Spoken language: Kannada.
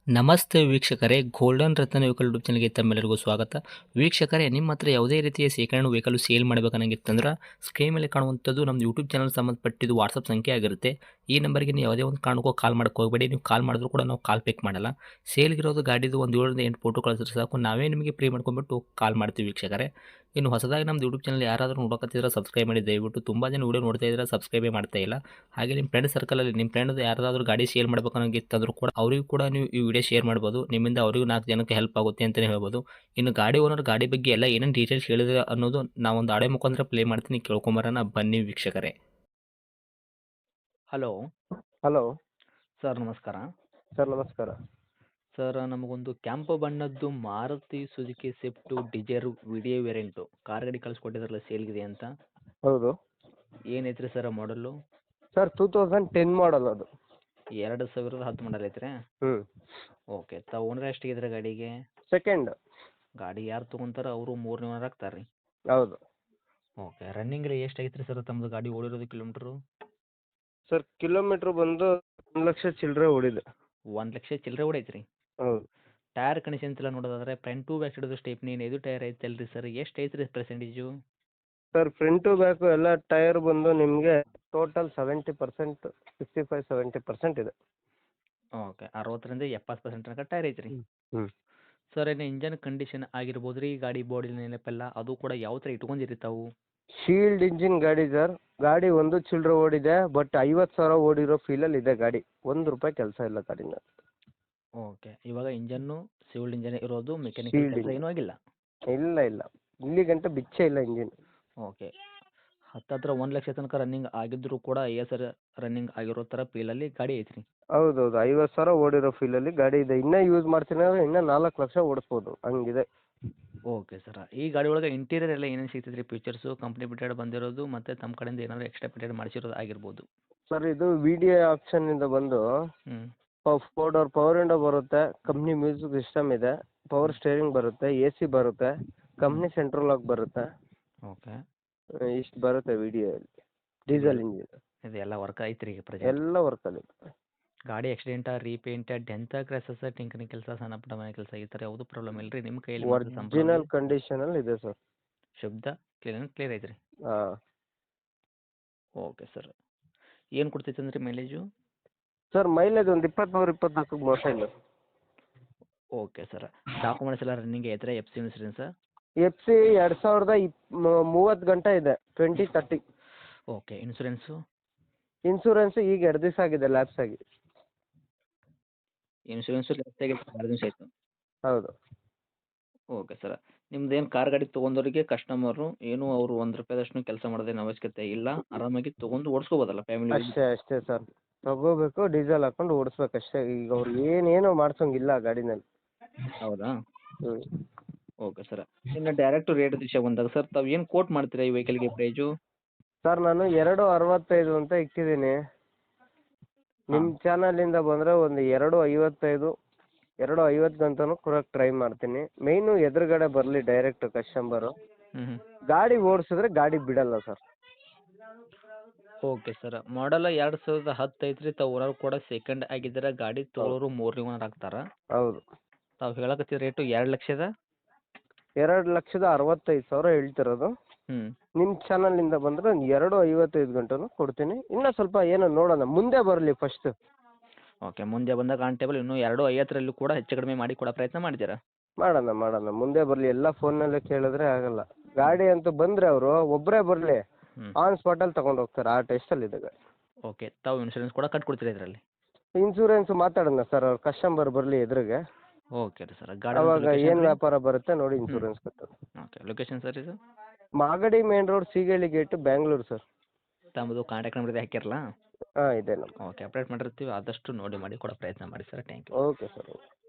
ನಮಸ್ತೆ ವೀಕ್ಷಕರೇ, ಗೋಲ್ಡನ್ ರತ್ನ ವೆಹಿಕಲ್ ಯೂಟ್ಯೂಬ್ ಚಾನಲ್ಗೆ ತಮ್ಮೆಲ್ಲರಿಗೂ ಸ್ವಾಗತ. ವೀಕ್ಷಕರೇ, ನಿಮ್ಮ ಹತ್ರ ಯಾವುದೇ ರೀತಿಯ ಶೇಖರಣೆ ವೆಹಿಕಲ್ ಸೇಲ್ ಮಾಡಬೇಕನ್ನಂಗಿತ್ತಂದ್ರೆ ಸ್ಕ್ರೀನ್ ಮೇಲೆ ಕಾಣುವಂಥದ್ದು ನಮ್ಮ ಯೂಟ್ಯೂಬ್ ಚಾನಲ್ ಸಂಬಂಧಪಟ್ಟಿದ್ದು ವಾಟ್ಸಪ್ ಸಂಖ್ಯೆ ಆಗಿರುತ್ತೆ. ಈ ನಂಬರ್ಗೆ ನೀವು ಯಾವುದೇ ಒಂದು ಕಾರಣಕ್ಕೂ ಕಾಲ್ ಮಾಡೋಕೆ ಹೋಗಬೇಡಿ. ನೀವು ಕಾಲ್ ಮಾಡಿದ್ರು ಕೂಡ ನಾವು ಕಾಲ್ ಪಿಕ್ ಮಾಡಲ್ಲ. ಸೇಲ್ಗಿರೋದು ಗಾಡಿದು ಒಂದು 7ರಿಂದ 8 ಫೋಟೋ ಕಳಿಸಿದ್ರೆ ಸಾಕು, ನಾವೇ ನಿಮಗೆ ಪ್ರೀ ಮಾಡ್ಕೊಂಡ್ಬಿಟ್ಟು ಕಾಲ್ ಮಾಡ್ತೀವಿ ವೀಕ್ಷಕರೇ. ಇನ್ನು ಹೊಸದಾಗಿ ನಮ್ಮದು ಯೂಟ್ಯೂಬ್ ಚಾನಲ್ ಯಾರಾದರೂ ನೋಡೋಕತ್ತಿದ್ರೆ ಸಬ್ಸ್ಕ್ರೈಬ್ ಮಾಡಿ ದಯವಿಟ್ಟು. ತುಂಬ ಜನ ವೀಡಿಯೋ ನೋಡ್ತಾ ಇದ್ದಾರೆ, ಸಬ್ಸ್ಕ್ರೈಬೇ ಮಾಡ್ತಾ ಇಲ್ಲ. ಹಾಗೆ ನಿಮ್ಮ ಫ್ರೆಂಡ್ ಸರ್ಕಲಲ್ಲಿ ನಿಮ್ಮ ಫ್ರೆಂಡ್ ಯಾರಾದರೂ ಗಾಡಿ ಸೇಲ್ ಮಾಡಬೇಕನ್ನೋಂಗಿತ್ತಂದ್ರೂ ಕೂಡ ಅವರಿಗೂ ಕೂಡ ನೀವು ಈ ವಿಡಿಯೋ ಶೇರ್ ಮಾಡ್ಬೋದು. ನಿಮ್ಮಿಂದ ಅವರಿಗೂ 4 ಜನಕ್ಕೆ ಹೆಲ್ಪ್ ಆಗುತ್ತೆ ಅಂತಲೇ ಹೇಳ್ಬೋದು. ಇನ್ನು ಗಾಡಿ ಓನರ್ ಗಾಡಿ ಬಗ್ಗೆ ಎಲ್ಲ ಏನೇನು ಡೀಟೇಲ್ಸ್ ಹೇಳಿದ್ರೆ ಅನ್ನೋದು ನಾವೊಂದು ಆಡಿಯೋ ಮುಖಾಂತರ ಪ್ಲೇ ಮಾಡ್ತೀನಿ, ಕೇಳ್ಕೊಂಬರೋಣ ಬನ್ನಿ ವೀಕ್ಷಕರೇ. ಹಲೋ ಹಲೋ ಸರ್, ನಮಸ್ಕಾರ. ಸರ್, ನಮಸ್ಕಾರ. ಸರ್, ನಮಗೊಂದು ಕೆಂಪು ಬಣ್ಣದ್ದು Maruti Suzuki Swift Dzire video variant car ಗಾಡಿ ಕಳಿಸ್ಕೊಟ್ಟಿದ್ರಲ್ಲ ಸೇಲ್ಗಿದೆ ಅಂತ. ಹೌದು ಏನೈತ್ರಿ ಸರ್ ಮಾಡಲು? ಸರ್, 2010 ಮಾಡಲ್ ಅದು. 2010 ಮಾಡಲ್ ಐತ್ರಿ. ಓಕೆ, ತಾವು ಓನರ್ ಎಷ್ಟಿದ್ರೆ ಗಾಡಿಗೆ? ಸೆಕೆಂಡ್. ಗಾಡಿ ಯಾರು ತೊಗೊಂತಾರ ಅವರು 3ನೇ ಓನರ್ ಆಗ್ತಾರೆ ರೀ. ಹೌದು ಓಕೆ, ರನ್ನಿಂಗ್ ರೀ ಎಷ್ಟು ಐತ್ರಿ ಸರ್ ತಮ್ಮದು ಗಾಡಿ ಓಡಿರೋದು ಕಿಲೋಮೀಟ್ರು? ಸರ್, ಕಿಲೋಮೀಟ್ರ್ ಬಂದು 1,00,000 ಚಿಲ್ಲರೆ ಓಡಿದೆ. 1,00,000 ಚಿಲ್ಲರೆ ಓಡೈತ್ರಿ. ಹೌದು ಟೈರ್ ಕಂಡೀಷನ್ ಎಲ್ಲ ನೋಡೋದಾದ್ರೆ front to back side stepney ಇದು ಟೈರ್ ಐತಲ್ರಿ ಸರ್, ಎಷ್ಟು ಐತ್ರಿ ಪರ್ಸೆಂಟೇಜು? ಸರ್, ಫ್ರಂಟು ಬ್ಯಾಕು ಎಲ್ಲ ಟೈರ್ ಬಂದು ನಿಮಗೆ ಟೋಟಲ್ 70%, 65-70% ಇದೆ. ಓಕೆ, 60ರಿಂದ 70% ತನಕ ಟೈರ್ ಐತ್ರಿ. ಹ್ಞೂ ಸರ್, ಏನು ಇಂಜನ್ ಕಂಡೀಷನ್ ಆಗಿರ್ಬೋದು ರೀ, ಗಾಡಿ ಬಾಡಿ ನೆನಪೆಲ್ಲ ಅದು ಕೂಡ ಯಾವ ಥರ ಇಟ್ಕೊಂಡಿರಿ ತಾವು? ಶೀಲ್ಡ್ ಇಂಜಿನ್ ಗಾಡಿ ಸರ್. ಗಾಡಿ ಒಂದು ಚಿಲ್ಲರೆ ಓಡಿದೆ, ಬಟ್ 50,000 ಓಡಿರೋ ಫೀಲಲ್ಲಿ ಇದೆ ಗಾಡಿ. ₹1 ಕೆಲಸ ಇಲ್ಲ ಗಾಡಿನ. ಓಕೆ, ಇವಾಗ ಇಂಜನ್ನು ಸಿವಿಲ್ ಇಂಜನ್ ಇರೋದು, ಮೆಕ್ಯಾನಿಕಲ್ ಶೀಲ್ಡ್ ಕೆಲಸ ಇಂಜಿನ್ ಏನೂ ಆಗಿಲ್ಲ? ಇಲ್ಲ ಇಲ್ಲಿ ಗಂಟೆ ಬಿಚ್ಚೇ ಇಲ್ಲ ಇಂಜಿನ್. ಓಕೆ, ಹತ್ತತ್ರ 1,00,000 ತನಕ ರನ್ನಿಂಗ್ ಆಗಿದ್ದರೂ ಕೂಡ ಸರ್ ರನ್ನಿಂಗ್ ಆಗಿರೋ ಥರ ಫೀಲಲ್ಲಿ ಗಾಡಿ ಐತ್ರಿ. ಹೌದೌದು, 50,000 ಓಡಿರೋ ಫೀಲಲ್ಲಿ ಗಾಡಿ ಇದೆ. ಇನ್ನೂ ಯೂಸ್ ಮಾಡ್ತೀನಿ ಅಂದರೆ ಇನ್ನೂ 4 ಲಕ್ಷ ಓಡಿಸ್ಬೋದು, ಹಂಗಿದೆ. ಓಕೆ ಸರ್, ಈ ಗಾಡಿ ಒಳಗೆ ಇಂಟೀರಿಯರ್ ಎಲ್ಲ ಏನೇನು ಸಿಗ್ತೈತೆ ರೀ? ಫೀಚರ್ಸು ಕಂಪ್ನಿ ಬಿಟ್ಟೆಡ್ ಬಂದಿರೋದು ಮತ್ತು ತಮ್ಮ ಕಡೆಯಿಂದ ಏನಾದರೂ ಎಕ್ಸ್ಟ್ರಾ ಬಿಟ್ಟೆಡ್ ಮಾಡಿಸಿರೋದು ಆಗಿರ್ಬೋದು. ಸರ್, ಇದು ವಿ ಡಿ ಐ ಆಪ್ಷನ್ನಿಂದ ಬಂದು ಹ್ಞೂ 4 ಡೋರ್ ಪವರ್ ವಿಂಡೋ ಬರುತ್ತೆ, ಕಂಪ್ನಿ ಮ್ಯೂಸಿಕ್ ಸಿಸ್ಟಮ್ ಇದೆ, ಪವರ್ ಸ್ಟೇರಿಂಗ್ ಬರುತ್ತೆ, ಎ ಸಿ ಬರುತ್ತೆ, ಕಂಪ್ನಿ ಸೆಂಟ್ರಲ್ ಲಾಕ್ ಬರುತ್ತೆ. ಓಕೆ, ಇಷ್ಟು ಬರುತ್ತೆ ವಿ ಡಿ ಐಯಲ್ಲಿ. ಡೀಸೆಲ್ ಇಂಜಿನ್ ಇದೆಲ್ಲ ವರ್ಕ್ ಐತ್ರಿ ಈಗ ಪ್ರೆಸೆಂಟ್? ಎಲ್ಲ ವರ್ಕಲ್ಲಿ. ಗಾಡಿ ಆಕ್ಸಿಡೆಂಟಾ, ರೀಪೇಂಟ, ಡೆಂತ, ಕ್ರ್ಯಾಸಸ್, ಟಿಂಕರಿಂಗ್ ಕೆಲಸ, ಸಣ್ಣ ಪುಟ್ಟ ಮನೆ ಕೆಲಸ ಈ ಥರ ಯಾವುದೂ ಪ್ರಾಬ್ಲಮ್ ಇಲ್ಲ ರೀ ನಿಮ್ಮ ಕೈಯಲ್ಲಿ ಮಾತ್ರ ಸಂಪೂರ್ಣ ಒರಿಜಿನಲ್ ಕಂಡೀಷನಲ್ಲಿ ಇದೆ ಸರ್. ಶುದ್ಧ ಕ್ಲಿಯರ್ ಐತ್ರಿ. ಹಾಂ ಓಕೆ ಸರ್, ಏನು ಕೊಡ್ತೈತೆ ಅಂದ್ರೆ ಮೈಲೇಜು? ಸರ್, ಮೈಲೇಜ್ ಒಂದು 23-24 ಮೋಸ ಇಲ್ಲ. ಓಕೆ ಸರ್, ಡಾಕ್ಯುಮೆಂಟ್ಸ್ ಎಲ್ಲ ರನ್ನಿಂಗ್ ಐತ್ರಿ? F C insurance? F C 2030 ಗಂಟೆ ಇದೆ, 2030. Okay, insurance? ಇನ್ಸೂರೆನ್ಸ್ ಈಗ 2 ದಿವಸ ಆಗಿದೆ ಲ್ಯಾಪ್ಸ್ ಆಗಿ. ಇನ್ಸೂರೆನ್ಸು ಲೆಫ್ಟಾಗಿ 2 ದಿವಸ ಆಯಿತು. ಹೌದು ಓಕೆ ಸರ್, ನಿಮ್ದು ಏನು ಕಾರ್ ಗಾಡಿ ತೊಗೊಂಡವರಿಗೆ ಕಸ್ಟಮರು ಏನು ಅವರು ₹1 ಕೆಲಸ ಮಾಡೋದೇನು ಅವಶ್ಯಕತೆ ಇಲ್ಲ, ಆರಾಮಾಗಿ ತೊಗೊಂಡು ಓಡಿಸ್ಕೋಬೋದಲ್ಲ ಫ್ಯಾಮಿಲಿ? ಅಷ್ಟೇ ಸರ್, ತಗೋಬೇಕು, ಡೀಸೆಲ್ ಹಾಕೊಂಡು ಓಡಿಸ್ಬೇಕು ಅಷ್ಟೇ. ಈಗ ಅವ್ರು ಏನೇನೋ ಮಾಡ್ಸೋಂಗಿಲ್ಲ ಗಾಡಿನಲ್ಲಿ. ಹೌದಾ? ಹ್ಞೂ ಓಕೆ ಸರ್, ಇನ್ನು ಡೈರೆಕ್ಟ್ ರೇಟ್ ವಿಷಯ ಬಂದಾಗ ಸರ್ ತಾವು ಏನು ಕೋಟ್ ಮಾಡ್ತೀರಾ ಈ ವೆಹಿಕಲ್ಗೆ ಪ್ರೈಜು? ಸರ್, ನಾನು 265 ಅಂತ ಇಟ್ಟಿದ್ದೀನಿ. ನಿಮ್ಮ ಚಾನಲಿಂದ ಬಂದರೆ ಒಂದು 255, 250 ಗಂಟನೂ ಕೊಡೋಕೆ ಟ್ರೈ ಮಾಡ್ತೀನಿ. ಮೇಯ್ನು ಎದುರುಗಡೆ ಬರಲಿ ಡೈರೆಕ್ಟ್ ಕಸ್ಟಮರು. ಹ್ಞೂ ಗಾಡಿ ಓಡಿಸಿದ್ರೆ ಗಾಡಿ ಬಿಡಲ್ಲ ಸರ್. ಓಕೆ ಸರ್, ಮಾಡಲ್ 2010 ಐತ್ರಿ, ತಾವು ಓನರ್ ಕೂಡ ಸೆಕೆಂಡ್ ಆಗಿದ್ದೀರ, ಗಾಡಿ ತೊಗೊಳೋರು 3ನೇ ಓನರ್ ಆಗ್ತಾರ. ಹೌದು, ತಾವು ಹೇಳಕತ್ತಿದ ರೇಟು 2,00,000? 2,65,000 ಹೇಳ್ತಿರೋದು. ಹ್ಞೂ ನಿಮ್ಮ ಚಾನಲಿಂದ ಬಂದರೆ ಒಂದು 255 ಗಂಟನೂ ಕೊಡ್ತೀನಿ. ಇನ್ನೂ ಸ್ವಲ್ಪ ಏನೋ ನೋಡೋಣ, ಮುಂದೆ ಬರಲಿ ಫಸ್ಟು. ಓಕೆ, ಮುಂದೆ ಬಂದಾಗ ಕಾನ್ಟೇಬಲ್ ಇನ್ನೂ 250ರಲ್ಲೂ ಕೂಡ ಹೆಚ್ಚು ಕಡಿಮೆ ಮಾಡಿ ಕೊಡೋ ಪ್ರಯತ್ನ ಮಾಡ್ತೀರಾ? ಮಾಡೋಣ, ಮುಂದೆ ಬರಲಿ. ಎಲ್ಲ ಫೋನ್ನಲ್ಲೇ ಕೇಳಿದ್ರೆ ಆಗಲ್ಲ. ಗಾಡಿ ಅಂತೂ ಬಂದರೆ ಅವರು ಒಬ್ಬರೇ ಬರಲಿ, ಹ್ಞೂ ಆನ್ ಸ್ಪಾಟಲ್ಲಿ ತಗೊಂಡು ಹೋಗ್ತಾರೆ. ಆ ಟೆಸ್ಟಲ್ಲಿದೆ ಗಾಡಿ. ಓಕೆ, ತಾವು ಇನ್ಶೂರೆನ್ಸ್ ಕೂಡ ಕಟ್ಕೊಡ್ತೀರಾ ಇದರಲ್ಲಿ? ಇನ್ಸೂರೆನ್ಸ್ ಮಾತಾಡೋಣ ಸರ್, ಅವ್ರು ಕಸ್ಟಮರ್ ಬರಲಿ ಎದುರಿಗೆ, ಓಕೆ ರೀ ಸರ್, ಗಾಡಿ ಅವಾಗ ಏನು ವ್ಯಾಪಾರ ಬರುತ್ತೆ ನೋಡಿ ಇನ್ಸೂರೆನ್ಸ್ ಕಟ್ಟೋದು. ಓಕೆ, ಲೊಕೇಶನ್ ಸರ್ ಇದು? Magadi main road, Seegehalli gate, Bangalore sir. ತಮ್ಮದು ಕಾಂಟ್ಯಾಕ್ಟ್ ನಂಬರ್ ಇದೆ ಹಾಕಿರಲ್ಲ? ಹಾಂ ಇದೆ ನಮ್ಮ. ಓಕೆ, ಅಪ್ಡೇಟ್ ಮಾಡಿರ್ತೀವಿ, ಆದಷ್ಟು ನೋಡಿ ಮಾಡಿ ಕೊಡೋ ಪ್ರಯತ್ನ ಮಾಡಿ sir. Thank you. Okay sir.